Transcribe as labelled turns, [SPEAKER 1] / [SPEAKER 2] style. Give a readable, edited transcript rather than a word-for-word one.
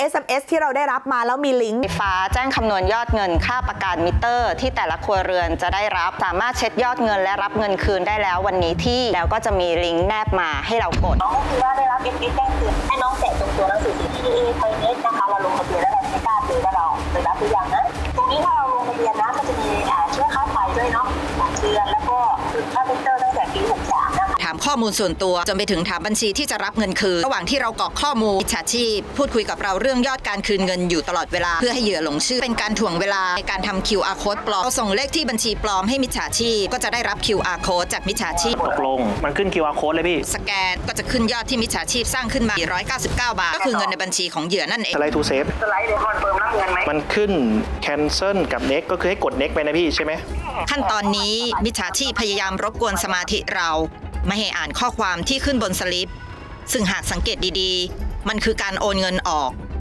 [SPEAKER 1] SMS ที่เราได้รับมาแล้วมีลิงก์
[SPEAKER 2] ไฟฟ้าแจ้งคำนวณยอดเงินค่าประกันมิเตอร์ที่แต่ละครัวเรือนจะได้รับสามารถเช็คยอดเงินและรับเงินคืนได้แล้ววันนี้ที่แล้วก็จะมีลิงก์แนบมาให้เรากด
[SPEAKER 3] น้องก็คือว่าได้รับ SMS แจ้งเตือนให้น้องแกะตรงตัวหนังสือ CTA ไทยเน็ตนะคะเราลงทะเบียนแล้วเราไม่กล้าดูว่าเราได้รับหรือยังนะตรงนี้ถ้าเราลงทะเบียนนะก็จะมีช่วยค่าไฟด้วยเนาะ3เดือนแล้วก็ค่ามิเตอร์ตั้งแต่ปี63นะคะ
[SPEAKER 4] ถามข้อมูลส่วนตัวจนไปถึงถามบัญชีที่จะรับเงินคืนระหว่างที่เรากรอกข้อมูลมิจฉาชีพพูดคุยกับเราเรื่องยอดการคืนเงินอยู่ตลอดเวลาเพื่อให้เหยื่อหลงเชื่อเป็นการถ่วงเวลาในการทำ QR code ปลอมเราส่งเลขที่บัญชีปลอมให้มิจฉาชีพก็จะได้รับ QR code จากมิจฉาชีพ
[SPEAKER 5] ตกลงมันขึ้น QR code เลยพี่
[SPEAKER 4] สแกนก็จะขึ้นยอดที่มิจฉาชีพสร้างขึ้นมา199 บาทก็คือเงินในบัญชีของเหยื่อนั่นเอง
[SPEAKER 5] สไลด์ทูเซฟ
[SPEAKER 3] สไลด์เดี๋ยวคอนเฟิร์มรับเงินไหม
[SPEAKER 5] มันขึ้น cancel กับ next ก็คือให้กด next ไปนะพี่ใช่ไหม
[SPEAKER 4] ขั้นตอนนี้มิจฉาชีพพยายามรบกวนสมาธิเราไม่ให้อ่านข้อความที่ขึ้นบนสลิปซึ่งหากสังเกตดีๆมันคือการโอนเงินออก